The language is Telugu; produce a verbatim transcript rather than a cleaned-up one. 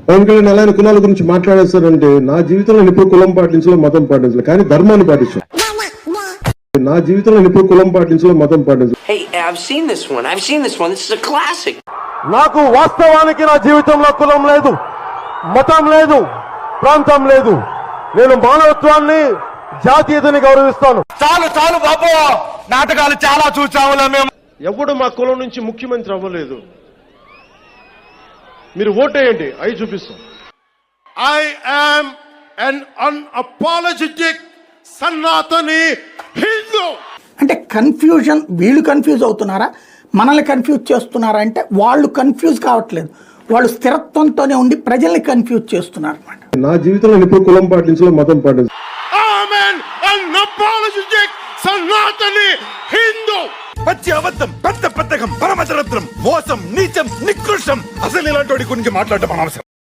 పవన్ కళ్యాణ్ అలానే కులాల గురించి మాట్లాడేస్తారంటే నా జీవితంలో నేను ఎప్పుడు కులం పాటించలో మతం పాటించలేదు, కానీ ధర్మాన్ని పాటించాను. నా జీవితంలో నేను ఎప్పుడు కులం పాటించలో మతం పాటించలేదు. Hey, I've seen this one. I've seen this one. This is a classic. నాకు వాస్తవానికి నా జీవితంలో కులం లేదు, మతం లేదు, ప్రాంతం లేదు. నేను మానవత్వాన్ని, జాతీయతని గౌరవిస్తాను. చాలు చాలు బాబు, నాటకాలు చాలా చూసాములే మేము. ఎవడు మా కులం నుంచి ముఖ్యమంత్రి అవ్వలేదు. మీరు ఓటేయండి, అవి చూపిస్తాం. I am an unapologetic Sanatani Hindu. అంటే కన్ఫ్యూజన్, వీళ్ళు కన్ఫ్యూజ్ అవుతున్నారా, మనల్ని కన్ఫ్యూజ్ చేస్తున్నారా అంటే వాళ్ళు కన్ఫ్యూజ్ కావట్లేదు, వాళ్ళు స్థిరత్వంతోనే ఉండి ప్రజల్ని కన్ఫ్యూజ్ చేస్తున్నారు అన్నమాట. నా జీవితంలో నేను ఎప్పుడు కులం పాటించలో మతం పాటించలేదు. ఆమెన్ unapologetic సనాతని హిందూ. పచ్చి అబద్ధం, పెద్ద పెద్దకం, పరమచరత్రం, మోసం, నీచం, నికృష్టం. అసలు ఇలాంటి గురించి మాట్లాడటం అనవసరం.